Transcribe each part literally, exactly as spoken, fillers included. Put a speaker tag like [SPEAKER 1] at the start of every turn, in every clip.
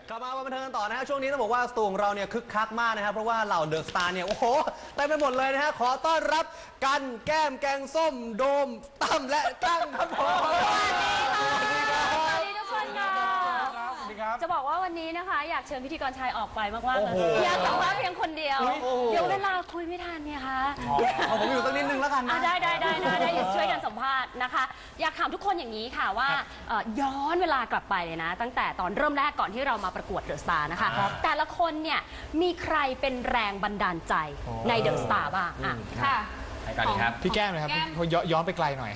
[SPEAKER 1] กลับมาบันเทิงกันต่อนะฮะช่วงนี้ต้องบอกว่าสตูของเราเนี่ยคึกคักมากนะครับเพราะว่าเหล่าเดอะสตาร์เนี่ยโอ้โหเต็มไปหมดเลยนะฮะขอต้อนรับกันแก้มแกงส้มโดมตั้มและตั้งครับผม
[SPEAKER 2] สวัสดีค่ะสวัสดีทุกคนค่ะจะบอกว่าวันนี้นะคะอยากเชิญพิธีกรชายออกไปมากๆเลยอยากสัมภาษณ์เพียงคนเดียวเดี๋ยวเวลาคุยไม่ทันเนี่ยค่ะ
[SPEAKER 1] เอาผมอยู่สักนิดนึงแล้วกันนะ
[SPEAKER 2] ได้ได้ได้ได้ได้อย่าช่วยกันสัมภาษณ์นะคะอยากถามทุกคนอย่างนี้ค่ะว่าย้อนเวลากลับไปเลยนะตั้งแต่ตอนเริ่มแรกก่อนที่เรามาประกวดเดอะสตาร์นะคะแต่ละคนเนี่ยมีใครเป็นแรงบันดาลใจในเดอะสตาร์บ้างอ่ะค่ะ
[SPEAKER 3] พี่แก้มนะครับเขาย้อนไปไกลหน่อย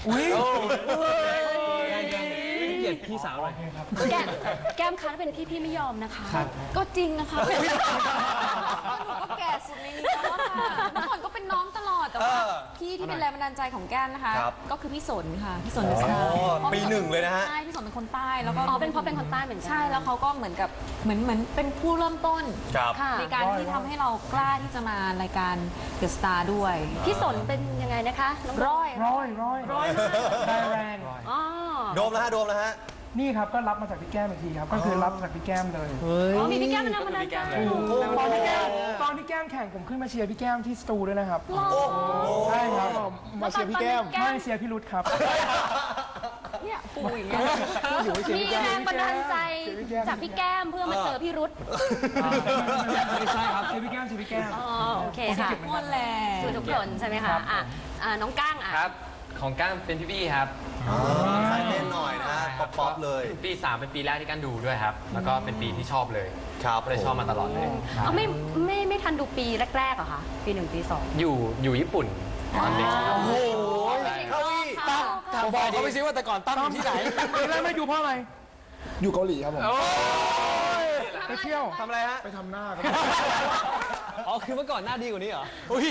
[SPEAKER 1] เกลียดพี่สาวเลย
[SPEAKER 2] แก้มแก้มคะถ้าเป็นพี่พี่ไม่ยอมนะคะก็จริงนะคะหนูก็แก่สุดในนี้แล้วค่ะเมื่อก่อนก็เป็นน้องตลอดแต่ว่าพี่ที่เป็นแรงบันดาลใจของแก้มนะคะก็คือพี่สนค่ะพี่สนเดอะสตาร์
[SPEAKER 1] ปีหนึ่งเลยนะฮะ
[SPEAKER 2] ใช่พี่สนเป็นคนใต้แล้วก็อ๋อเป็นเพราะเป็นคนใต้เหมือนกันใช่แล้วเขาก็เหมือนกับเหมือนเหมือนเป็นผู้เริ่มต้นในการที่ทำให้เรากล้าที่จะมารายการเดอะสตาร์ด้วยพี่สนเป็นยังไงนะคะร้อย
[SPEAKER 3] ร้อยร้อยร้อยได้แรง
[SPEAKER 2] อ๋อ
[SPEAKER 1] โดมแล้วฮะโดมแล้วฮะ
[SPEAKER 3] นี่ครับก็รับมาจากพี่แก้มอีกทีครับก็คือรับจากพี่แก้มเลย
[SPEAKER 2] อ๋อมีพี่แก้มเป็นแรงบันดาลใจ
[SPEAKER 3] ตอนที่แก้มตอนที่แก้มแข่งผมขึ้นมาเชียร์พี่แก้มที่สตูด้วยนะครับใช่ครับมาเชียร์พี่แก้มไม่เชียร์พี่รุธครับ
[SPEAKER 2] เนี่ยปูอย่างเงี้ยมีแรงบันดาลใจจากพี่แก้มเพื่อมาเจอพี่รุธ
[SPEAKER 3] ไม่ใช่ครับเชียร์พี่แก้มเชียร์พี่แก้ม
[SPEAKER 2] อ๋อโอเคค่ะหมดแหละคือทุกคนใช่ไหมคะอ่ะน้องก้างอ่ะ
[SPEAKER 4] ครับของก้างเป็นพี่บี้ครับ
[SPEAKER 1] สายเต้นหน่อยนะป๊อปป๊อปเลย
[SPEAKER 4] ปีสามเป็นปีแรกที่ก้างดูด้วยครับแล้วก็เป็นปีที่ชอบเลย
[SPEAKER 1] ครับ
[SPEAKER 4] เลยชอบมาตลอดเลย
[SPEAKER 2] เอาไม่ไม่ไม่ทันดูปีแรกๆเหรอคะปีหนึ่งปีสอง
[SPEAKER 4] อยู่อยู่ญี่ปุ่นตอนเด็ก
[SPEAKER 1] โอ้โหเขาอีตั้ม
[SPEAKER 3] บอกเขาไปซิว่าแต่ก่อนตั้มอยู่ที่ไหนปีแรกไม่ดูเพราะอะไรอยู่เกาหลีครับผมไปเที่ยว
[SPEAKER 1] ทำอะไรฮะ
[SPEAKER 3] ไปทำหน้าครับ
[SPEAKER 1] อ๋อคือเมื่อก่อนหน้าดีกว่านี้เหรอ
[SPEAKER 3] อุ้ย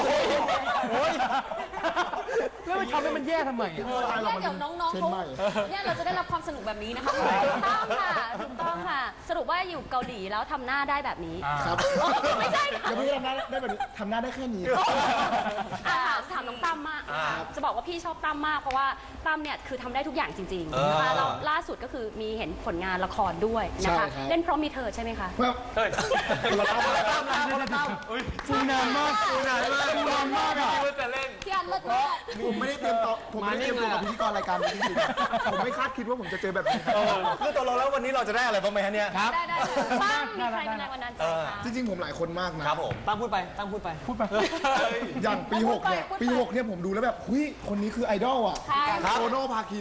[SPEAKER 3] แล้วไปทำให้มันแย่ทำไม
[SPEAKER 2] เนี่ยเดี๋ยวน้องๆเขาเนี่ยเราจะได้รับความสนุกแบบนี้นะคะถูกต้องค่ะถูกต้องค่ะสรุปว่าอยู่เกาหลีแล้วทำหน้าได้แบบนี้
[SPEAKER 3] ครับ
[SPEAKER 2] ไม่ใช่
[SPEAKER 3] อย่าเพิ่งทำหน้าได้แบบนี้ทำหน้าได้แค่นี้
[SPEAKER 2] ถามถามน้องตั้มมากจะบอกว่าพี่ชอบตั้มมากเพราะว่าตั้มเนี่ยคือทำได้ทุกอย่างจริงๆนะคะแล้วล่าสุดก็คือมีเห็นผลงานละครด้วยนะคะเล่นเพราะมีเธอใช่ไหมคะ
[SPEAKER 4] เฮ้ย
[SPEAKER 3] ฟูนานมากฟูนานมากฟูนานมากอ่ะ
[SPEAKER 2] พี่อันเลิศมาก
[SPEAKER 3] ผมไม่ได้เตรียมตัวผมไม่ได้เตรียมตัวกับพิธีกรรายการนี้จริงๆผมไม่คาดคิดว่าผมจะเจอแบบนี้
[SPEAKER 1] คือตัวเราแล้ววันนี้เราจะได้อะไรบ้างไหมฮะเนี่ย
[SPEAKER 2] ครับได้ได้บ้างมีใครเป็นแรงบันดาลใจ
[SPEAKER 3] จริงๆผมหลายคนมากนะครับ
[SPEAKER 1] ผมตั้งพูดไปตั้งพูดไป
[SPEAKER 3] พูดไปอย่างปีหกเนี่ยปีหกเนี่ยผมดูแล้วแบบเฮ้ยคนนี้คือไอดอลอ่ะโตโน่พาคิน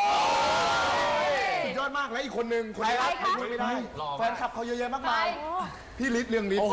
[SPEAKER 3] สุดยอดมากและอีกคนนึงคนนี้พูดไม่ได้แฟนคลับเขาเยอะแยะมากมายพี่ฤทธิ์เรืองฤทธิ์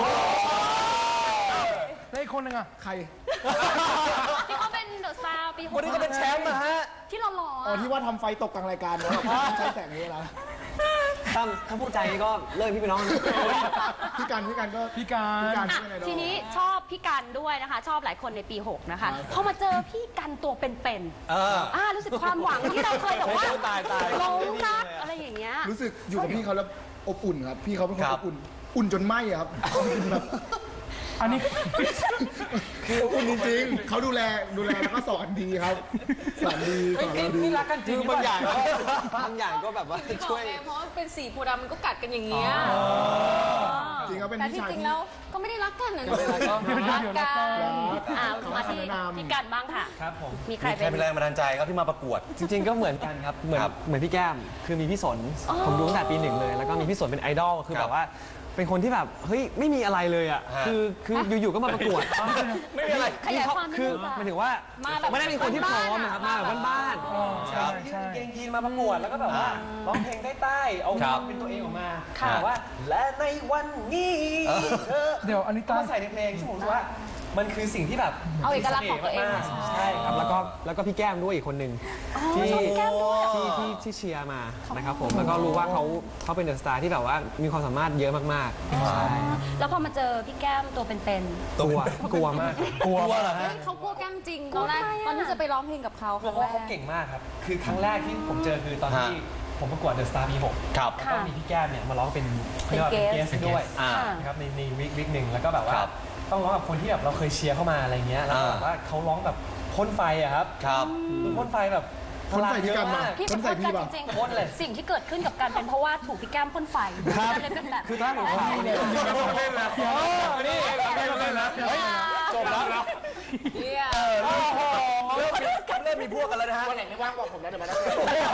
[SPEAKER 3] แล้วอีกคนนึงอ่ะใคร
[SPEAKER 2] ที่เขาเป็นเดอะสตาร์ปีหก
[SPEAKER 1] คนนี้ก็เป็นแชมป์นะฮะ
[SPEAKER 2] ที่หล่อๆ
[SPEAKER 3] อ๋อที่ว่าทำไฟตกกลางรายการเนาะใช้แสงนี้แล้ว
[SPEAKER 1] ตั้มถ้าพูดใจก็เลิกพี่ไปน้อง
[SPEAKER 3] พี่การพี่การก็พี่การ
[SPEAKER 2] ทีนี้ชอบพี่กันด้วยนะคะชอบหลายคนในปีหกนะคะพอมาเจอพี่กันตัวเป็นๆอ่ารู้สึกความหวังที่เราเคยแบบว่าลงรักอะไรอย่างเงี้ย
[SPEAKER 3] รู้สึกอยู่กับพี่เขาแล้วอบอุ่นครับพี่เขาเป็นคนอบอุ่นอุ่นจนไหม้ครับแบบอันนี้คืออุ่นจริงๆเขาดูแลดูแลแล้วก็สอนดีครับสอนดีสอนดี
[SPEAKER 1] นี่รักกันจริงบางอย่างก็บางอย่างก็แบบว่าช่วย
[SPEAKER 2] เพราะเป็นสีโพดำมันก็กัดกันอย่างเงี้ย
[SPEAKER 3] จริงเขาเป็นพี่ชาย
[SPEAKER 2] จริงแล้วก็ไม่ได้รักกันนะรักกันมาที่พี่กันบ้างค่ะ
[SPEAKER 4] ครับผม
[SPEAKER 1] มีใครเป็นแรงบันดาลใจครับที่มาประกวด
[SPEAKER 5] จริงๆก็เหมือนกันครับเหมือนเหมือนพี่แก้มคือมีพี่สนผมดูตั้งแต่ปีหนึ่งเลยแล้วก็มีพี่สนเป็นไอดอลคือแบบว่าเป็นคนที่แบบเฮ้ยไม่มีอะไรเลยอ่ะคือคืออยู่ๆก็มาประกวด
[SPEAKER 1] ไม่มีอะไร
[SPEAKER 5] คือหมายถึงว่าไม่ได้เป็นคนที่พร้อมนะครับมาแบบบ้าน
[SPEAKER 1] ๆใช่
[SPEAKER 5] เกงยีนมาประกวดแล้วก็แบบว่าร้องเพลงใต้ๆเอาความเป็นตัวเองออกมาแบบว่าและในวันนี้
[SPEAKER 3] เดี๋ยวอันนี้ต้อง
[SPEAKER 5] ใส่ในเพลงซึ่งผมรู้ว่ามันคือสิ่งที่แบบ
[SPEAKER 2] เอาเอกลักษณ์ของตัวเอง
[SPEAKER 5] ใช่ครับแล้วก็แล้วก็พี่แก้มด้วยอีกคนหนึ่งที่ที่ที่ที่เชียร์มานะครับผมแล้วก็รู้ว่าเขาเขาเป็นเดอะสตาร์ที่แบบว่ามีความสามารถเยอะมากๆใช่
[SPEAKER 2] แล้วพอมาเจอพี่แก้มตัวเป็น
[SPEAKER 5] ๆกลัวกลัวมาก
[SPEAKER 1] กลัวเหรอฮะ
[SPEAKER 2] เขากลัวแก้มจริงตอนแรกตอนที่จะไปร้องเพลงกับเขา
[SPEAKER 5] เพราะว่าเขาเก่งมากครับคือครั้งแรกที่ผมเจอคือตอนที่ผมประกวดเดอะสตาร์ปีหกแล้วก็มีพี่แก้มเนี่ยมาร้องเป็นเป็นเกสด้วยนะครับในในวิกวิกหนึ่งแล้วก็แบบว่าต้องร้องกับคนที่แบบเราเคยเชียร์เข้ามาอะไรเงี้ยแล้วแบบว่าเขาร้องแบบพ่นไฟอะครับ
[SPEAKER 1] ครับ
[SPEAKER 5] พ่นไฟแบบ
[SPEAKER 3] คนใส่พี่กันมา
[SPEAKER 2] พี่
[SPEAKER 3] ค
[SPEAKER 2] จะ
[SPEAKER 3] น
[SPEAKER 2] พู
[SPEAKER 3] ใส่
[SPEAKER 2] ด
[SPEAKER 3] พี่
[SPEAKER 2] กัน
[SPEAKER 3] ป่ะ
[SPEAKER 2] จริง
[SPEAKER 5] โคตรเลย
[SPEAKER 2] ๆสิ่งที่เกิดขึ้นกับกันเป็นเพราะว่าถูกพี่แก้มพ่นไฟเลยเป็นแบบ
[SPEAKER 5] คือถ้าของเขาเนี่ยนี่เล่นแล้วจบแล้ว
[SPEAKER 2] เนี่ย
[SPEAKER 1] เริ่มเริ่มมีพวกกันแล้วนะฮะ
[SPEAKER 3] วันไหนไม่ว่างบอกผมนะเดี๋ยวมาได้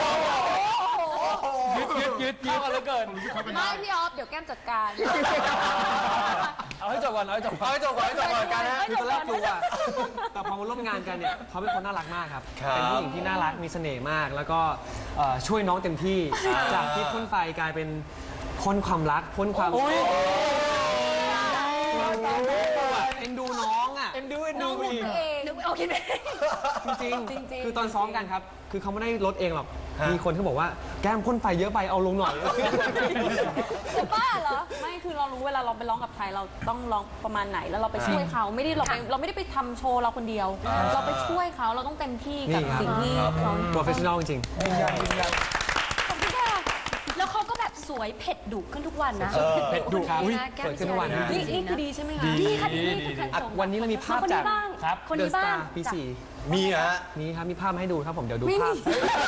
[SPEAKER 5] ยึดยึดยึดเข้ากันเหลือเกิน
[SPEAKER 2] ไม่พี่ออฟเดี๋ยวแก้มจัดการ
[SPEAKER 5] เอาให้จบก่อนเอาให้จบก่อน
[SPEAKER 1] เอาให้จบก่อนให้จบก่อนกันนะฮะ
[SPEAKER 5] คือตอนแรกกลัวแต่พอมาร่วมงานกันเนี่ยเขาเป็นคนน่ารักมากครับ
[SPEAKER 1] ครับ
[SPEAKER 5] เป็นผู้หญิงที่น่ารักมีเสน่ห์มาก แล้วก็เอ่อช่วยน้องเต็มที่จากที่พ่นไฟกลายเป็นพ่นความรักพ่นความเอ็นดูน้องอ่ะเอ็นดูเอ็นดูอีก
[SPEAKER 2] นึกโอเคไหม
[SPEAKER 5] จริง
[SPEAKER 2] จริงๆ
[SPEAKER 5] คือตอนซ้อมกันครับ คือเขาไม่ได้ลดเองหรอก
[SPEAKER 1] ฮะ
[SPEAKER 5] มีคนที่บอกว่าแก้มพ่นไฟเยอะไปเอาลงหน่อย
[SPEAKER 2] จะบ้าเหรอ
[SPEAKER 6] ไม่คือเรารู้เวลาเราไปร้องกับใครเราต้องร้องประมาณไหนแล้วเราไปช่วยเขาไม่ได้เราไปเราไม่ได้ไปทำโชว์เราคนเดียว เราไปช่วยเขาเราต้องเต็มที่กับ
[SPEAKER 5] นี่ครับ
[SPEAKER 6] สิ่งที่เขา
[SPEAKER 5] โปรเฟชชั่นอลจริง
[SPEAKER 2] ขอบคุณค่ะแล้วเขาก็แบบสวยเผ็ดดุขึ้นทุกวันนะ
[SPEAKER 5] เผ็ดดุครับอุ๊ย
[SPEAKER 2] นะแก้ม
[SPEAKER 5] สวยขึ้นทุกวันนะ
[SPEAKER 6] นี่นี่คือดีใช่ไหมคะ
[SPEAKER 2] ดีค่ะดีค่ะ
[SPEAKER 5] อ่ะวันนี้เรามีภาพจาก
[SPEAKER 2] คนนี้บ้าง
[SPEAKER 5] ครับ
[SPEAKER 2] คน
[SPEAKER 5] เด
[SPEAKER 2] นี้
[SPEAKER 5] อะส
[SPEAKER 2] บ้า
[SPEAKER 5] ตาง ร์ปีสี่
[SPEAKER 1] มีฮะ
[SPEAKER 5] นี่ครับมีภาพมาให้ดูครับผมเดี๋ยวดูภาพ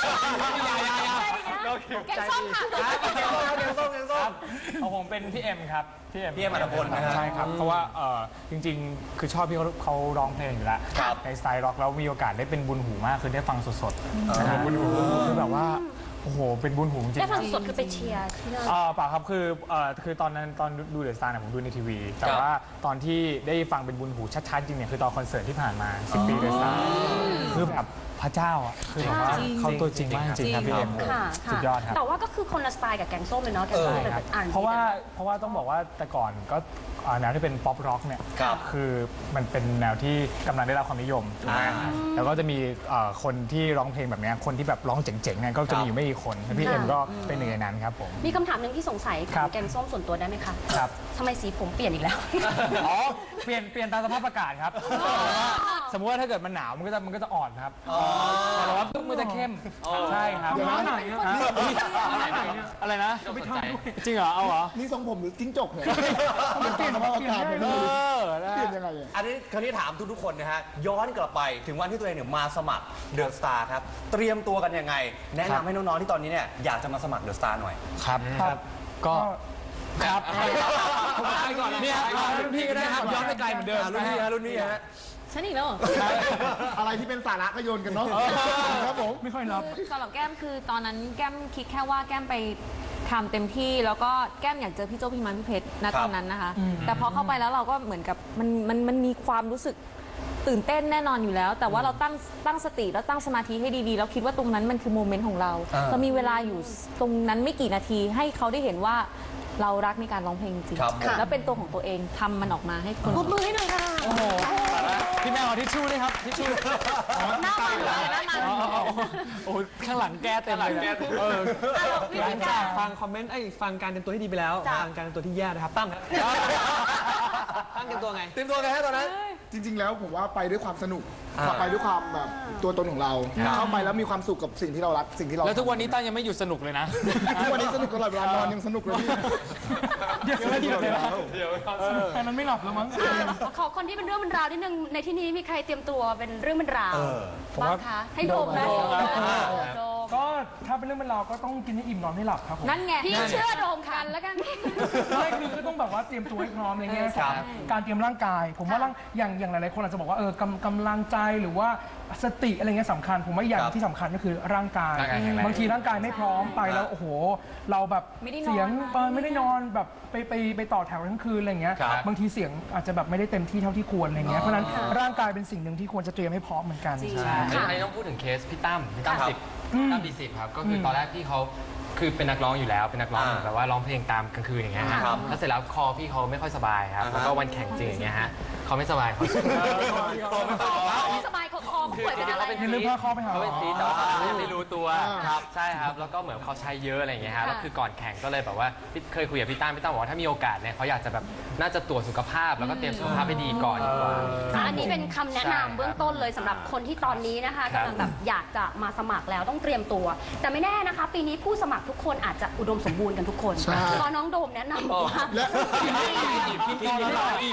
[SPEAKER 2] แกงส้มค่ะ
[SPEAKER 1] แกงส้มแกงส้มแกงส้ม
[SPEAKER 7] เอาผมเป็นพี่เอ็มครับพี่เอ็ม
[SPEAKER 1] พี่เอ็มอัตพลนะฮะ
[SPEAKER 7] ใช่ครับเพราะว่าเอ่อจริงๆ คือชอบพี่เขาเขาร้องเพลงอยู่แล้ว
[SPEAKER 1] ครับ
[SPEAKER 7] ในสไตล์ร็อกแล้วมีโอกาสได้เป็นบุญหูมากคือได้ฟังสดๆนะครับบุญหูคือแบบว่าโอ้โหเป็นบุญหูจริง
[SPEAKER 2] ได้
[SPEAKER 7] ๆ
[SPEAKER 2] ฟังสดคือไปเชียร์ที่นั่น
[SPEAKER 7] เอ่อเปล่าครับคือเอ่อคือตอนนั้นตอนดูเดอะสตาร์เนี่ยผมดูในทีวี แต่
[SPEAKER 1] ครับ
[SPEAKER 7] ว่าตอนที่ได้ฟังเป็นบุญหูชัดๆจริงเนี่ยคือตอนคอนเสิร์ตที่ผ่านมาสิบปีเดอะสตาร์คือแบบพระเจ้าอ่ะคือแบบว่าเขาตัวจริงมากจริงๆครับพี่เอ็ม
[SPEAKER 2] ค่ะ
[SPEAKER 7] สุดยอดครับ
[SPEAKER 2] แต่ว่าก็คือคนละสไตล์กับแกงส้มเลยเนาะแกงส้มเป็นแบบอ่าน
[SPEAKER 7] เพราะว่าเพราะว่าต้องบอกว่าแต่ก่อนก็อ่าแนวที่เป็นป๊อปร็อกเนี่ย
[SPEAKER 1] ครับ
[SPEAKER 7] คือมันเป็นแนวที่กำลังได้รับความนิยมถูกไหม
[SPEAKER 1] อ่า
[SPEAKER 7] แล้วก็จะมีเอ่อคนที่ร้องเพลงแบบเนี้ยคนที่แบบร้องเจ๋งๆเนี่ยก็จะมีอยู่ไม่กี่คนแล้วพี่เอ็มก็เป็นหนึ่งในนั้นครับผม
[SPEAKER 2] มีคำถามหนึ่งที่สงสัย
[SPEAKER 7] ครั
[SPEAKER 2] ถาม
[SPEAKER 7] บ
[SPEAKER 2] แกงส้มส่วนตัวได้ไหมคะ
[SPEAKER 7] ครับ
[SPEAKER 2] ทำไมสีผมเปลี่ยนอีกแล้ว
[SPEAKER 7] อ๋อเปลี่ยนเปลี่ยนตามสภาพอากาศครับสมมติว่าถ้าเกิดมันหนาวมันก็จะมันก็จะอ่อนครับแต่ร้อนปุ๊บมันจะเข้มใช่ครับ
[SPEAKER 3] เดี๋ยวนะ
[SPEAKER 7] ฮะอะไรนะจริงเหรอเอาเหรอ
[SPEAKER 3] นี่ทรงผมหรือจิ้งจกเนี่ยมันเปลี่ยนสภาพอากาศเลย
[SPEAKER 7] เอ
[SPEAKER 3] นะ
[SPEAKER 7] อนะ
[SPEAKER 3] เปลี่ยนยังไงอะ
[SPEAKER 1] อันนี้คราวนี้ถามทุกๆคนนะฮะ ย้อนกลับไปถึงวันที่ตัวเองเนี่ยมาสมัครเดอะสตาร์ครับ เตรียมตัวกันยังไง แนะนำให้น้องๆที่ตอนนี้เนี่ยอยากจะมาสมัครเดอะสตาร์หน่อย
[SPEAKER 7] ครับครับก็ครับไปก่อนเนี่ยรุ่นพี่ก็ได้ครับย้อนไปไกลเหมือนเดิม
[SPEAKER 1] อ่ารุ่นพี่ฮะรุ่นพี่ฮะ
[SPEAKER 2] ฉันอีกแล้วเหรอ
[SPEAKER 3] อะไรที่เป็นสาระก็โยนกันเนาะครับผม
[SPEAKER 7] ไม่ค่อยรับ
[SPEAKER 6] สำหรับแก้มคือตอนนั้นแก้มคิดแค่ว่าแก้มไปทำเต็มที่แล้วก็แก้มอยากเจอพี่โจ้พี่มันพี่เพชรณตอนนั้นนะคะ แต่พอเข้าไปแล้วเราก็เหมือนกับมันมันมันมีความรู้สึกตื่นเต้นแน่นอนอยู่แล้ว แต่ว่าเราตั้งตั้งสติแล้วตั้งสมาธิให้ดีๆแล้วคิดว่าตรงนั้นมันคือโมเมนต์ของเรา
[SPEAKER 1] อ่า
[SPEAKER 6] เรามีเวลาอยู่ตรงนั้นไม่กี่นาทีให้เขาได้เห็นว่าเรารักในการร้องเพลงจริง
[SPEAKER 1] ครับ
[SPEAKER 6] แล้วเป็นตัวของตัวเองทำมันออกมาให้คน
[SPEAKER 2] ปรบมือให้หน่อยค่ะ
[SPEAKER 7] โอ้โหพี่แมวเอาทิชชู่ด้วยครับทิชชู่
[SPEAKER 2] หน้ามันเลยหน้ามัน
[SPEAKER 7] โอ้ข้างหลังแก้เต็มเลยนะเออ
[SPEAKER 5] หลังจากฟังคอมเมนต์ไอ้ยฟังการเตรียมตัวที่ดีไปแล้วฟังการเตรียมตัวที่แย่นะครับตั้มครับตั้มเตรียมตัวไง
[SPEAKER 1] เตรียมตัวไงฮะตอนนั้น
[SPEAKER 3] จริง ๆ แล้วผมว่าไปด้วยความสนุก
[SPEAKER 1] อ่า
[SPEAKER 3] ไปด้วยความแบบตัวตนของเรา เข้าไปแล้วมีความสุขกับสิ่งที่เรารักสิ่งที่เรา
[SPEAKER 7] แล้วทุกวันนี้ตั้มยังไม่หยุดสนุกเลยนะ
[SPEAKER 3] ทุกวันนี้สนุกตลอดเวลานอนยังสนุกเลยพี่
[SPEAKER 7] เดี๋ยวเดี๋ยวเลยนะแค่นั้นไม่หลับแล้วมั้ง
[SPEAKER 2] ขอคนที่เป็นเรื่องเป็นราวนิดนึงในที่นี้มีใครเตรียมตัวเป็นเรื่องเป็นราว
[SPEAKER 1] เออ
[SPEAKER 2] บ้างคะให้โดมนะ
[SPEAKER 7] โดมครับ
[SPEAKER 2] โดม
[SPEAKER 7] ก็ถ้าเป็นเรื่องเป็นราวก็ต้องกินให้อิ่มนอนให้หลับครับผม
[SPEAKER 6] นั่นไง
[SPEAKER 2] พี่เชื่อโดมค่ะแล้วกัน
[SPEAKER 7] ไม่คือก็ต้องแบบว่าเตรียมตัวให้พร้อมอะไรเงี้ย
[SPEAKER 1] ครับ
[SPEAKER 7] การเตรียมร่างกาย ผมว่าร่างอย่างอย่างหลายๆคนอาจจะบอกว่าเออกำกำลังใจหรือว่าสติอะไรเงี้ยสำคัญ ผมว่าอย่างที่สำคัญก็คือร่างกาย
[SPEAKER 4] ร่างกายแข็งแรง
[SPEAKER 7] บางทีร่างกายไม่พร้อมไปแล้วโอ้โห เราแบบ
[SPEAKER 6] ไม่ได้นอน
[SPEAKER 7] เสียง
[SPEAKER 6] มา
[SPEAKER 7] เออไม่ได้นอนแบบไปไปไปต่อแถวทั้งคืนอะไรเงี้ย
[SPEAKER 1] ครับ
[SPEAKER 7] บางทีเสียงอาจจะแบบไม่ได้เต็มที่เท่าที่ควรอะไรเงี้ยเพราะฉะนั้นร่างกายเป็นสิ่งหนึ่งที่ควรจะเตรียมให้พร้อมเหมือนกัน
[SPEAKER 4] ใช่อันนี้ต้องพูดถึงเคสพี่ตั้มพี่ตั้ม
[SPEAKER 1] ครับ
[SPEAKER 4] สิบตั้มดีสิบครับ ก็คือตอนแรกพี่เขาคือเป็นนักร้องอยู่แล้ว เป็นนักร้อง
[SPEAKER 1] อ่า
[SPEAKER 4] แบบว่าร้องเพลงตามกลางคืนอย่างเงี้ยฮะ
[SPEAKER 1] ครับ
[SPEAKER 4] แล้วเสร็จแล้วคอพี่เขาไม่ค่อยสบายครับ
[SPEAKER 1] อ่าฮะ
[SPEAKER 4] แล้วก็วันแข่งจริงอย่างเงี้ยฮะเขาไม่สบายเขา
[SPEAKER 2] ไม่สบายคอคอ
[SPEAKER 4] คือ
[SPEAKER 2] ป่วย
[SPEAKER 4] จ
[SPEAKER 2] เป็น
[SPEAKER 4] ริง
[SPEAKER 2] อะไร
[SPEAKER 4] ๆเขาเป็น
[SPEAKER 7] อย่าลืมพาคอไปหาหมอ
[SPEAKER 4] เขาเป็นซีสแต่ว่าเขายังไม่รู้ตัวครับใช่ครับแล้วก็เหมือนเขาใช้เยอะอะไรอย่างเงี้ยฮะแล้วคือก่อนแข่งก็เลยแบบว่าพี่เคยคุยกับพี่ตั้มพี่ตั้มบอกว่าถ้ามีโอกาสเนี่ยเขาอยากจะแบบน่าจะตรวจสุขภาพแล้วก็เตรียมสุขภาพให้ดีก่อนดีกว่า
[SPEAKER 2] อันนี้เป็นคำแนะนำเบื้องต้นเลยสำหรับคนที่ตอนนี้นะคะ
[SPEAKER 4] ครับ
[SPEAKER 2] กำลังแบบอยากจะมาสมัครแล้วต้องเตรียมตัว แต่ไม่แน่นะคะ ปีนี้ผู้สมัครทุกคนอาจจะอุดมสมบูรณ์กันทุกคน
[SPEAKER 3] ใช่
[SPEAKER 2] เพราะน้องโดมแนะนำบอกว่า
[SPEAKER 3] และ
[SPEAKER 2] แนะนำ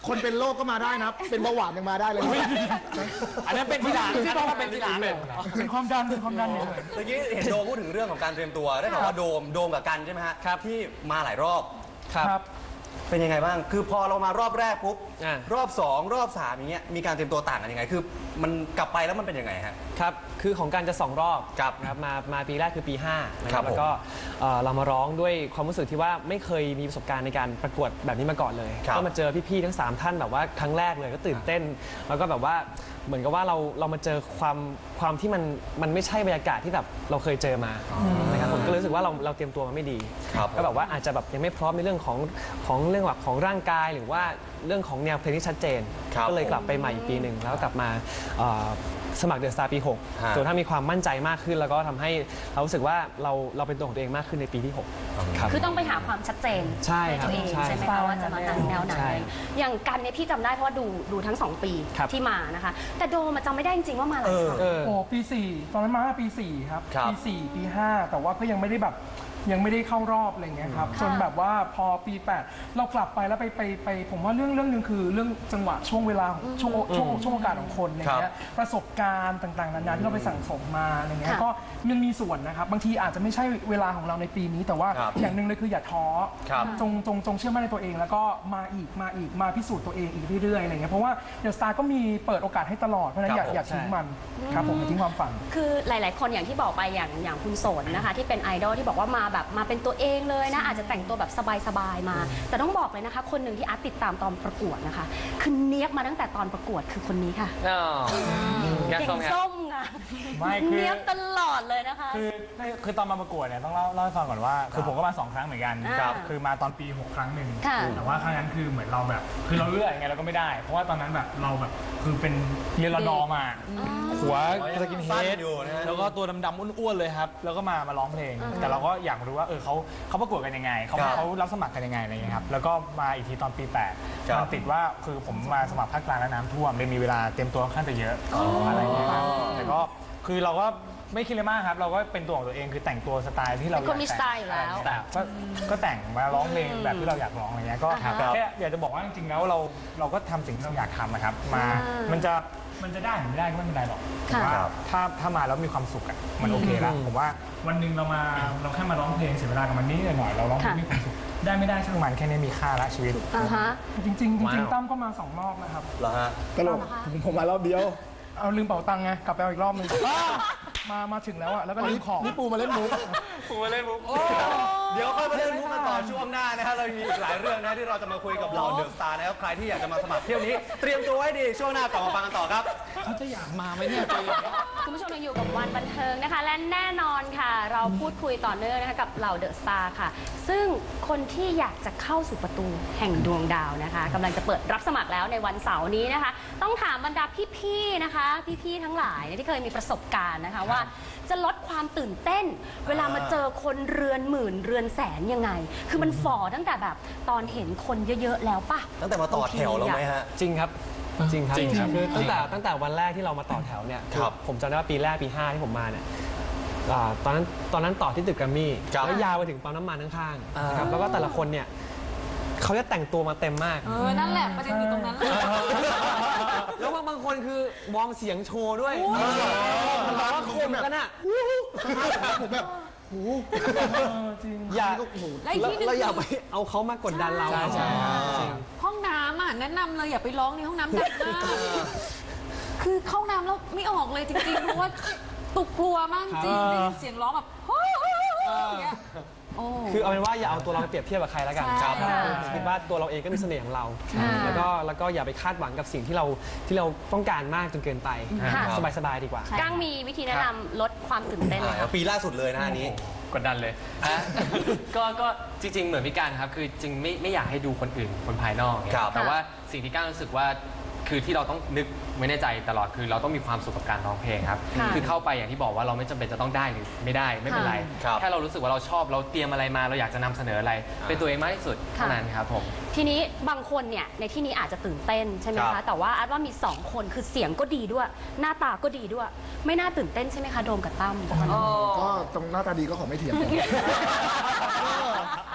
[SPEAKER 3] คนเป็นโรคก็มาได้นะ เป็นเบาหวานยังมาได้เลย
[SPEAKER 7] อันนั้นเป็นทีหลังอันนั้นเป็นทีหลังเป็นความดันเป็นความดันเนี่ย
[SPEAKER 1] เมื่อกี้เห็นโดมพูดถึงเรื่องของการเตรียมตัวได้ข่าวว่าโดมโดมกับกันใช่ไหมฮะครับที่มาหลายรอบ
[SPEAKER 7] ครับ
[SPEAKER 1] เป็นยังไงบ้างคือพอเรามารอบแรกปุ๊บ
[SPEAKER 4] อ่าร
[SPEAKER 1] อบสองรอบสามอย่างเงี้ยมีการเตรียมตัวต่างกันยังไงคือมันกลับไปแล้วมันเป็นยังไงฮะ
[SPEAKER 8] ครับ คือของการจะสองรอบ
[SPEAKER 1] ครับ
[SPEAKER 8] นะครับมามาปีแรกคือปีห้านะค
[SPEAKER 1] ครั
[SPEAKER 8] รั
[SPEAKER 1] บบ ผม
[SPEAKER 8] แล้วก็เอ่อเรามาร้องด้วยความรู้สึกที่ว่าไม่เคยมีประสบการณ์ในการประกวดแบบนี้มาก่อนเลย
[SPEAKER 1] ครับ
[SPEAKER 8] ก็มาเจอพี่ๆทั้งสามท่านแบบว่าครั้งแรกเลยก็ตื่นเต้น แล้วก็แบบว่าเหมือนกับว่าเราเรามาเจอความความที่มันมันไม่ใช่บรรยากาศที่แบบเราเคยเจอมานะครับผมก็เลยรู้สึกว่าเราเราเตรียมตัวมาไม่ดี
[SPEAKER 1] ครับ
[SPEAKER 8] ก็แบบว่าอาจจะแบบยังไม่พร้อมในเรื่องของของเรื่องแบบของร่างกายหรือว่าเรื่องของแนวเพลงที่ชัดเจน
[SPEAKER 1] ครับ
[SPEAKER 8] ก็เลยกลับไปใหม่อีกปีหนึ่งแล้วก็กลับมาเอ่อสมัครเดอะสตาร์ปีหก
[SPEAKER 1] ฮะ
[SPEAKER 8] จนถ้ามีความมั่นใจมากขึ้นแล้วก็ทำให้เรารู้สึกว่าเราเราเป็นตัวของตัวเองมากขึ้นในปีที่หกครับ
[SPEAKER 2] คือต้องไปหาความชัดเจน
[SPEAKER 8] ใช่ครับ
[SPEAKER 2] ตัวเอง
[SPEAKER 8] ใช่
[SPEAKER 2] ใช่ไหมคะว่าจะมาทางแนวไหน
[SPEAKER 8] ใช่
[SPEAKER 2] อย่างกันเนี่ยพี่จำได้เพราะว่าดูดูทั้งสองปี
[SPEAKER 8] ครับ
[SPEAKER 2] ที่มานะคะ แต่โดมอะจำไม่ได้จริงๆว่ามาหลายครั้ง
[SPEAKER 8] เออ
[SPEAKER 9] โอ้ปีสี่ตอนนั้นมาปีสี่ครับ
[SPEAKER 1] ครับ
[SPEAKER 9] ปีสี่ปีห้าแต่ว่าก็ยังไม่ได้แบบยังไม่ได้เข้ารอบอะไรเงี้ยครับจนแบบว่าพอปีแปดเรากลับไปแล้วไปไปไปผมว่าเรื่องเรื่องหนึงคือเรื่องจังหวะช่วงเวลาของช่วงช่วงช่วงโอกาสของคนอะไรเงี้ยประสบการณ์ต่างๆนานาที่เราไปสั่งสมมาอะไรเงี้ย
[SPEAKER 2] ค่ะ
[SPEAKER 9] ก็ยังมีส่วนนะครับบางทีอาจจะไม่ใช่เวลาของเราในปีนี้ แต่ว่า
[SPEAKER 1] ครับ
[SPEAKER 9] อย่างหนึ่งเลยคืออย่าท้อ
[SPEAKER 1] ครับ
[SPEAKER 9] จงจงจงเชื่อมั่นในตัวเอง แล้วก็มาอีกมาอีกมาพิสูจน์ตัวเองอีกเรื่อยๆอะไรเงี้ยเพราะว่าเดอะสตาร์ก็มีเปิดโอกาสให้ตลอดเพราะฉะนั้นอย่า
[SPEAKER 1] ครับผม
[SPEAKER 9] อย่าทิ้งมันครับผมอย่าทิ้งความฝัน
[SPEAKER 2] คือหลาย ๆ คนอย่างที่บอกไปอย่างอย่างคุณสนนะคะ ที่เป็นไอดอลที่บอกว่ามาแบบมาเป็นตัวเองเลยนะ อาจจะแต่งตัวแบบสบาย ๆ มา แต่ต้องบอกเลยนะคะ คนหนึ่งที่อาร์ตติดตามตอนประกวดนะคะ คือเนียบมาตั้งแต่ตอนประกวดคือคนนี้ค่ะ
[SPEAKER 4] อ๋อแกง
[SPEAKER 2] เก่
[SPEAKER 4] ส้
[SPEAKER 2] ง
[SPEAKER 4] มครับ
[SPEAKER 2] ส้มค่ะ
[SPEAKER 7] ไม่คือ
[SPEAKER 2] เนียบตลอดเลยนะคะ
[SPEAKER 7] คือคือตอนมาประกวดเนี่ยต้องเล่าเล่าให้ฟังก่อนว่า คือผมก็มาสองครั้งเหมือนกัน
[SPEAKER 2] ครับ
[SPEAKER 7] คือมาตอนปีหกครั้งหนึ่ง
[SPEAKER 2] ค่ะ
[SPEAKER 7] แต่ว่าครั้งนั้นคือเหมือนเราแบบ คือเราเลือกยังไงเราก็ไม่ได้ เพราะว่าตอนนั้นแบบเราแบบคือเป็นเรียนรอดอมา หัวสกินเฮ
[SPEAKER 1] สั้
[SPEAKER 7] ด
[SPEAKER 1] นอยู่นะฮะ
[SPEAKER 7] แล้วก็ตัวดำๆอ้วนๆเลยครับ แล้วก็มามาร้องเพลง แต่เราก็อยากรู้ว่าเออเขาเขาประกวดกันยังไงเขา
[SPEAKER 1] ครับ
[SPEAKER 7] เขารับสมัครกันยังไงอะไรอย่างเงี้ยครับแล้วก็มาอีกทีตอนปีแปด
[SPEAKER 1] ครับ
[SPEAKER 7] มันติดว่าคือผมมาสมัครภาคกลางแล้วน้ำท่วมเลยมีเวลาเตรียมตัวค่อนข้างจะเยอะอะไรอย่างเงี้ยครับแต่ก็คือเราก็ไม่คิดเลยมากครับ เราก็เป็นตัวของตัวเองคือแต่งตัวสไตล์ที่เรา
[SPEAKER 2] เป็นคนมี
[SPEAKER 7] อยาก
[SPEAKER 2] สไตล์อยู่แล้ว
[SPEAKER 7] แต่ก็ก็แต่งมาร้องเพลงแบบที่เราอยากร้องอะไรเงี้ยก็
[SPEAKER 2] อ่าฮะ
[SPEAKER 7] แค่อยากจะบอกว่าจริงๆแล้วเราเราก็ทำสิ่งที่เราอยากทำนะครับมา
[SPEAKER 2] อ่ามั
[SPEAKER 7] มันจะมันจะได้หรือไม่ได้ก็ไม่เป็นไรหรอก
[SPEAKER 2] ค่ะ
[SPEAKER 7] แต่ว่าถ้าถ้ามาแล้วมีความสุขอะมันโอเคแล้วผมว่าวันหนึ่งเรามาเราแค่มาร้องเพลงเสียเวลากับมันนิดหน่อยเราร้องเพลงมีความสุขได้ไม่ได้ช่างมันแค่นี้มีค่าละชีวิต
[SPEAKER 2] อ่าฮะ
[SPEAKER 9] จริงๆจริงๆตั้มก็มาสองรอบนะครับ
[SPEAKER 1] เหรอฮะ
[SPEAKER 3] ตลกผมผมมารอบเดียว
[SPEAKER 9] เอาลืมเป๋าตังค์ไงกลับไปเอาอีกรอบหนึงมามาถึงแล้วอะแล้วก็ลืมของ
[SPEAKER 3] นี่ปูมาเล่นมุก
[SPEAKER 1] เดี๋ยวค่อยมาเล่นมุกกันต่อช่วงหน้านะครับเรามีอีกหลายเรื่องนะที่เราจะมาคุยกับเราเดอะสตาร์นะครับใครที่อยากจะมาสมัครเที่ยวนี้ เตรียมตัวไว้ดีช่วงหน้ากลับมาฟังกันต่อครับ
[SPEAKER 7] เขาจะอยากมาไหมเนี่ย
[SPEAKER 2] คุณผู้ชมยังอยู่กับวันบันเทิงนะคะ และแน่นอนค่ะ เราพูดคุยต่อเนื่องนะคะกับเหล่าเดอะสตาร์ค่ะ ซึ่งคนที่อยากจะเข้าสู่ประตูแห่งดวงดาวนะคะกำลังจะเปิดรับสมัครแล้วในวันเสาร์นี้นะคะ ต้องถามบรรดาพี่ๆนะคะ พี่ๆทั้งหลายเนี่ยที่เคยมีประสบการณ์นะคะว่าจะลดความตื่นเต้น เวลามาเจอคนเรือนหมื่นเรือนแสนยังไง คือมันฝ่อตั้งแต่แบบตอนเห็นคนเยอะๆแล้วป่ะ
[SPEAKER 1] ตั้งแต่มาต่อแถวแล้วไหมฮะ
[SPEAKER 8] จริงครับจริงครับ
[SPEAKER 1] จริงครับ
[SPEAKER 8] คือตั้งแต่ตั้งแต่วันแรกที่เรามาต่อแถวเนี่ย
[SPEAKER 1] ครับ
[SPEAKER 8] ผมจำได้ว่าปีแรกปีห้าที่ผมมาเนี่ยอ่าตอนนั้นตอนนั้นต่อที่ตึกแกรมมี่
[SPEAKER 1] ครับ
[SPEAKER 8] แล้วยาวไปถึงปั๊มน้ำมันข้างๆนะครับแล้วก็แต่ละคนเนี่ยเขาจะแต่งตัวมาเต็มมาก
[SPEAKER 6] เออ นั่นแหละประเด็นอยู่ตรงนั้นเลย
[SPEAKER 8] แล้วบางบางคนคือวอร์มเสียงโชว์ด้วยมันร้องคมกันอ่ะ
[SPEAKER 3] ผมแบบหู
[SPEAKER 8] อย่า
[SPEAKER 3] ก็โอ้โห
[SPEAKER 6] และอีกที่หนึ่ง
[SPEAKER 8] เราอย่า
[SPEAKER 6] คื
[SPEAKER 8] ไป
[SPEAKER 6] อ
[SPEAKER 8] เอาเขามากดดันเรา
[SPEAKER 7] ใช่ใช่
[SPEAKER 8] จริง
[SPEAKER 6] ห้องน้ำอ่ะแนะนำเลยอย่าไปร้องในห้องน้ำดังมากคือเข้าน้ำแล้วไม่ออกเลยจริงๆเพราะว่าตุกกลัวมากจริงได้ยินเสียงร้องแบบอย่างเงี้ยโอ้
[SPEAKER 8] คือเอาเป็นว่าอย่าเอาตัวเราไปเปรียบเทียบกับใครแล้วกัน
[SPEAKER 6] ใช่ค่ะ
[SPEAKER 8] ผมคิดว่าตัวเราเองก็มีเสน่ห์ของเรา
[SPEAKER 2] ค่ะ
[SPEAKER 8] แล้วก็แล้วก็อย่าไปคาดหวังกับสิ่งที่เราที่เราต้องการมากจนเกินไป
[SPEAKER 2] ค่ะ
[SPEAKER 8] สบายๆดีกว่า
[SPEAKER 2] ก้างมีวิธีแนะนำลดความตื่นเต้นไหมคะ
[SPEAKER 1] ปีล่าสุดเลยนะอันนี้
[SPEAKER 4] กดดันเลยฮะ ก็ก็จริง ๆ เหมือนพี่การครับ คือจริงไม่ไม่อยากให้ดูคนอื่นคนภายนอกเนี่ย
[SPEAKER 1] ครับ
[SPEAKER 4] แต่ว่าสิ่งที่ก้างรู้สึกว่าคือที่เราต้องนึกไว้ในใจตลอดคือเราต้องมีความสุขกับการร้องเพลงครับ
[SPEAKER 2] ค่ะ
[SPEAKER 4] คือเข้าไปอย่างที่บอกว่าเราไม่จำเป็นจะต้องได้หรือไม่ได้ไม่เป็นไร
[SPEAKER 1] ครับ
[SPEAKER 4] แค่เรารู้สึกว่าเราชอบเราเตรียมอะไรมาเราอยากจะนำเสนออะไร เป็นตัวเองมากที่สุดเท่านั้นครับผม
[SPEAKER 2] ทีนี้บางคนเนี่ยในที่นี้อาจจะตื่นเต้นใช่ไหม
[SPEAKER 1] ครั
[SPEAKER 2] คะ
[SPEAKER 1] บ
[SPEAKER 2] แต่ว่าอาร์ตว่ามีสองคนคือเสียงก็ดีด้วย หน้าตาก็ดีด้วย ไม่น่าตื่นเต้นใช่ไหมคะโดมกับตั้ม
[SPEAKER 3] ก็ตรงหน้าตาดีก็ขอไม่เถียง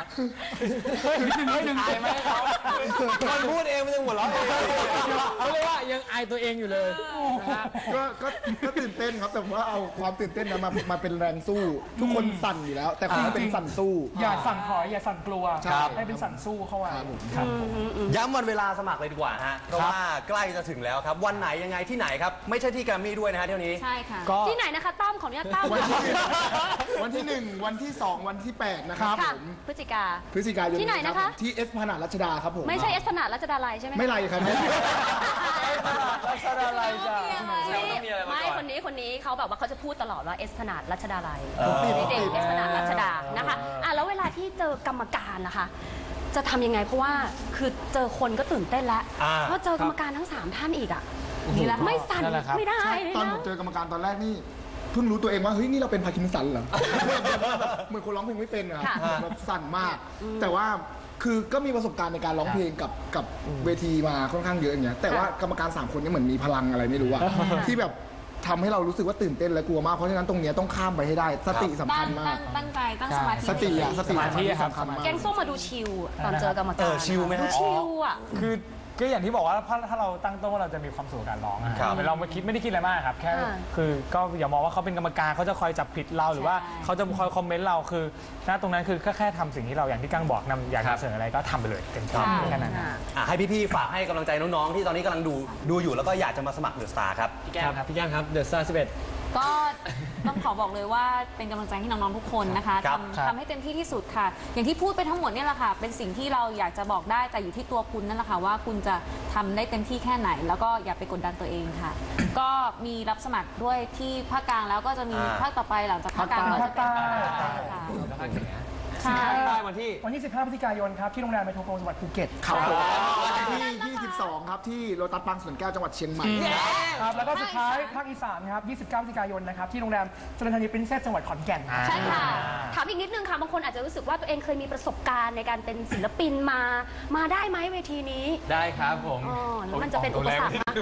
[SPEAKER 7] เฮ้ยเฮ้ยดึงอายไหมเขา
[SPEAKER 1] คนพูดเองมันยังหัวเราะเอง
[SPEAKER 7] เขาเรียกว่ายังอายตัวเองอยู่เลยนะฮะ
[SPEAKER 3] ก็ก็ก็ตื่นเต้นครับแต่ว่าเอาความตื่นเต้นนั้นมามาเป็นแรงสู้ ทุกคนสั่นอยู่แล้ว แต่คุณเป็นสั่นสู้
[SPEAKER 9] อย่าสั่นถอยอย่าสั่นกลัว
[SPEAKER 3] ครับ
[SPEAKER 9] ให้เป็นสั่นสู้เข้าไว้
[SPEAKER 3] ครับผม
[SPEAKER 1] ย้ำวันเวลาสมัครเลยดีกว่าฮะ เพราะว่าใกล้จะถึงแล้วครับ วันไหนยังไงที่ไหนครับ ไม่ใช่ที่แกรมมี่ด้วยนะฮะเที่ยวนี้
[SPEAKER 6] ใช่ค่ะ
[SPEAKER 7] ก็
[SPEAKER 2] ที่ไหนนะคะตั้มขออนุญาตตั้ม
[SPEAKER 3] วันที่วันที่หนึ่งวันที่สองวันที่แปดนะครับผ
[SPEAKER 2] ค่ะ
[SPEAKER 3] ม
[SPEAKER 2] พฤศจิกา
[SPEAKER 3] พฤศจิกายน
[SPEAKER 2] ที่ไหนนะคะ
[SPEAKER 3] รับผมที่เอสพนาดรัชดาครับผม
[SPEAKER 2] ไม่ใช่เอสพนาดรัชดาลัยใช่ไหมคะ
[SPEAKER 3] ไม่ไรครับ
[SPEAKER 7] รัชดาลัยจ้ะ
[SPEAKER 2] ไม่คนนี้คนนี้เขาแบบว่าเขาจะพูดตลอดว่าเอสพนาดรัชดาลัย
[SPEAKER 1] เออ
[SPEAKER 2] ไม่เด็กเอสพนาดรัชดานะคะอ่ะแล้วเวลาที่เจอกรรมการนะคะจะทำยังไงเพราะว่าคือเจอคนก็ตื่นเต้นแล้ว
[SPEAKER 1] อ่า
[SPEAKER 2] เพราะเจอกรรมการทั้งสามท่านอีกอ่ะ
[SPEAKER 6] นี่แหละค่ะ
[SPEAKER 2] ไม่สั่น
[SPEAKER 7] นั่นแหละครับ
[SPEAKER 2] ไม่ได้เลย
[SPEAKER 3] ตอนผ
[SPEAKER 2] นะ
[SPEAKER 3] มเจอกรรมการตอนแรกนี่เพิ่งรู้ตัวเองว่าเฮ้ยนี่เราเป็นพาร์กินสันเหรอ เหมือนคนร้องเพลงไม่เป็นอะครับแบบสั่นมาก แต่ว่าคือก็มีประสบการณ์ในการร้องเพลงกับกับเวทีมาค่อนข้างเยอะอย่างเงี้ยแต่ว่ากรรมการสามคนนี่เหมือนมีพลังอะไรไม่รู้อะที่แบบทำให้เรารู้สึกว่าตื่นเต้นและกลัวมากเพราะฉะนั้นตรงเนี้ยต้องข้ามไปให้ได้สติสำ
[SPEAKER 6] ตั้
[SPEAKER 3] คั
[SPEAKER 6] ง
[SPEAKER 3] ญมา
[SPEAKER 6] ตั้
[SPEAKER 3] ก
[SPEAKER 6] งตั้งใจตั้งสมาธิ
[SPEAKER 3] สติอะสติ
[SPEAKER 7] สมาธิครับ
[SPEAKER 3] สำคัญมาก
[SPEAKER 2] แกงส้มมาดูชิลตอนเจอกรรม
[SPEAKER 1] เอ
[SPEAKER 2] การ
[SPEAKER 1] อชิลไหมฮะ
[SPEAKER 2] ดูชิลอ่ะ
[SPEAKER 7] คือก็อย่างที่บอกว่าถ้าถ้าเราตั้งต้นว่าเราจะมีความสุขกับการร้องอะ
[SPEAKER 1] ครับ
[SPEAKER 7] เราไม่คิดไม่ได้คิดอะไรมากครับแค่
[SPEAKER 2] อ่า
[SPEAKER 7] คือก็อย่ามองว่าเขาเป็นกรรมการเขาจะคอยจับผิดเราหรือว่า
[SPEAKER 6] ใช่
[SPEAKER 7] เขาจะคอยคอมเมนต์เราคือณตรงนั้นคือแค่แค่ทำสิ่งที่เราอย่างที่กั้งบอกนำอยาก
[SPEAKER 4] ครับ
[SPEAKER 7] นำเสนออะไรก็ทำไปเลยเต็มที่
[SPEAKER 6] ค่ะ
[SPEAKER 7] แค่นั้นนะ
[SPEAKER 1] อ่ะให้พี่ๆฝากให้กำลังใจน้องๆที่ตอนนี้กำลังดูดูอยู่แล้วก็อยากจะมาสมัครเดอะสตาร์ครับ
[SPEAKER 4] พี่แก้มครับ
[SPEAKER 8] พี่แก้มครับ The Star สิบเอ็ด
[SPEAKER 6] ก็ต้องขอบอกเลยว่าเป็นกำลังใจให้น้องๆทุกคนนะคะ
[SPEAKER 1] ครับ
[SPEAKER 6] ทำทำให้เต็มที่ที่สุดค่ะ อย่างที่พูดไปทั้งหมดเนี่ยแหละค่ะ เป็นสิ่งที่เราอยากจะบอกได้แต่อยู่ที่ตัวคุณนั่นแหละค่ะว่าคุณจะทำได้เต็มที่แค่ไหน แล้วก็อย่าไปกดดันตัวเองค่ะ ก็มีรับสมัครด้วยที่ภาคกลางแล้วก็จะมี
[SPEAKER 1] อ่า
[SPEAKER 6] ภาคต่อไปหลังจากภาคกลางก็จะเป็น
[SPEAKER 9] ภาคใต้
[SPEAKER 6] ค่ะ
[SPEAKER 4] แล้วภาคเหนือ
[SPEAKER 6] ใช่
[SPEAKER 8] ได้วันที่
[SPEAKER 9] วันที่ สิบห้า พฤศจิกายนครับ ที่โรงแรมเมโทรโพลจังหวัดภูเก็ต
[SPEAKER 3] ครับผมวันที่ยี่สิบสองครับที่โลตัสบางสวนแก้วจังหวัดเชียงใหม่
[SPEAKER 9] ครับ แล้วก็สุดท้ายภาคอีสานครับ ยี่สิบเก้า พฤศจิกายนนะครับ ที่โรงแรมเจริญธานีปรินเซสจังหวัดขอนแก่น
[SPEAKER 2] ใช่ค่ะ ถามอีกนิดนึงค่ะ บางคนอาจจะรู้สึกว่าตัวเองเคยมีประสบการณ์ในการเป็นศิลปินมา มาได้ไหมเวทีนี้
[SPEAKER 4] ได้ครับผม
[SPEAKER 2] อ๋อแล้วมันจะเป็นอุปสรรคไหม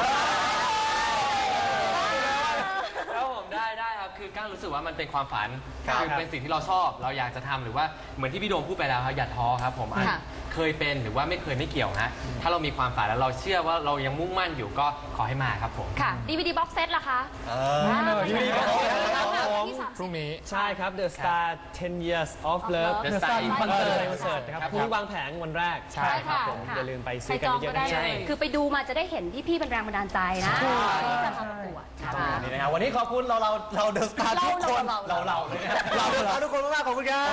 [SPEAKER 4] แล้วผมได้ได้ครับคือก้างรู้สึกว่ามันเป็นความฝัน
[SPEAKER 1] ครับ
[SPEAKER 4] คือเป็นสิ่งที่เราชอบเราอยากจะทำหรือว่าเหมือนที่พี่โดมพูดไปแล้วครับอย่าท้อครับผมอ่ะ
[SPEAKER 2] ค่ะ
[SPEAKER 4] เคยเป็นหรือว่าไม่เคยไม่เกี่ยวฮะถ้าเรามีความฝันแล้วเราเชื่อว่าเรายังมุ่งมั่นอยู่ก็ขอให้มาครับผม
[SPEAKER 2] ค่ะ ดี วี ดี box set ล่ะคะ
[SPEAKER 1] เออ
[SPEAKER 2] อ่า
[SPEAKER 7] ดี วี ดี box set
[SPEAKER 2] ที่สาม
[SPEAKER 7] พรุ่งนี้
[SPEAKER 8] ใช่ครับ The Star 10 years of love
[SPEAKER 4] The Star
[SPEAKER 8] คอนเสิร์ตคอนเสิร์ตนะครับ
[SPEAKER 4] ครับ
[SPEAKER 8] พรุ่งนี้วางแผงวันแรก
[SPEAKER 7] ใช่ครับ
[SPEAKER 8] ผม
[SPEAKER 2] ค่ะ
[SPEAKER 8] อย่าลืมไป
[SPEAKER 6] ใคร
[SPEAKER 8] ซื้อกัน
[SPEAKER 6] จอง
[SPEAKER 8] เย
[SPEAKER 6] ก็
[SPEAKER 8] อะๆ
[SPEAKER 6] ได้
[SPEAKER 8] นะ
[SPEAKER 6] เล
[SPEAKER 8] ใช่
[SPEAKER 6] ย
[SPEAKER 2] คือไปดูมาจะได้เห็นพี่ๆเป็นแรงบันดาลใจนะที่จะมาประกวดนะคะ
[SPEAKER 1] นี่นะครับวันนี้ขอบคุณเราเราเราเดอะสตาร์
[SPEAKER 2] เรา
[SPEAKER 1] ทุกคน
[SPEAKER 2] เรา
[SPEAKER 1] เรา
[SPEAKER 2] เรา
[SPEAKER 1] เราเลยนะเราเดอะสตาร์ทุกคนมากๆขอบคุณครับ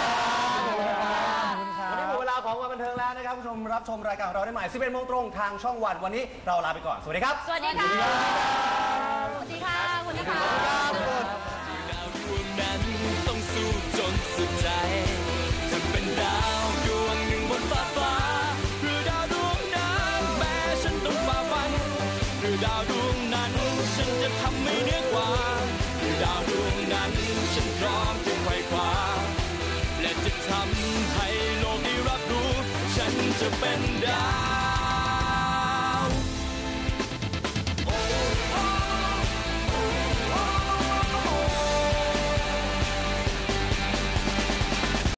[SPEAKER 1] วันนี้หมดเวลาของวันบันเทิงแล้วนะครับคุณผู้ชมรับชมรายการของเราได้ใหม่สิบเอ็ดโมงตรงทางช่องวันวันนี้เราลาไปก่อนสวัสดีครับ
[SPEAKER 2] สวัสดีค่ะ สวัสดีค่ะสวัสดีค่ะ
[SPEAKER 10] ดาวดวงนั้นต้องสู้จนสุดใจ จะเป็นดาวดวงหนึ่งบนฟ้าฟ้าหรือดาวดวงนั้นแม้ฉันต้องฝ่าฟันหรือดาวดวงนั้นฉันจะทำให้เหนือกว่าหรือดาวดวงนั้นฉันพร้อมจะไขว่คว้าและจะทำให้โลกได้รับรู้ ฉันจะเป็นดาว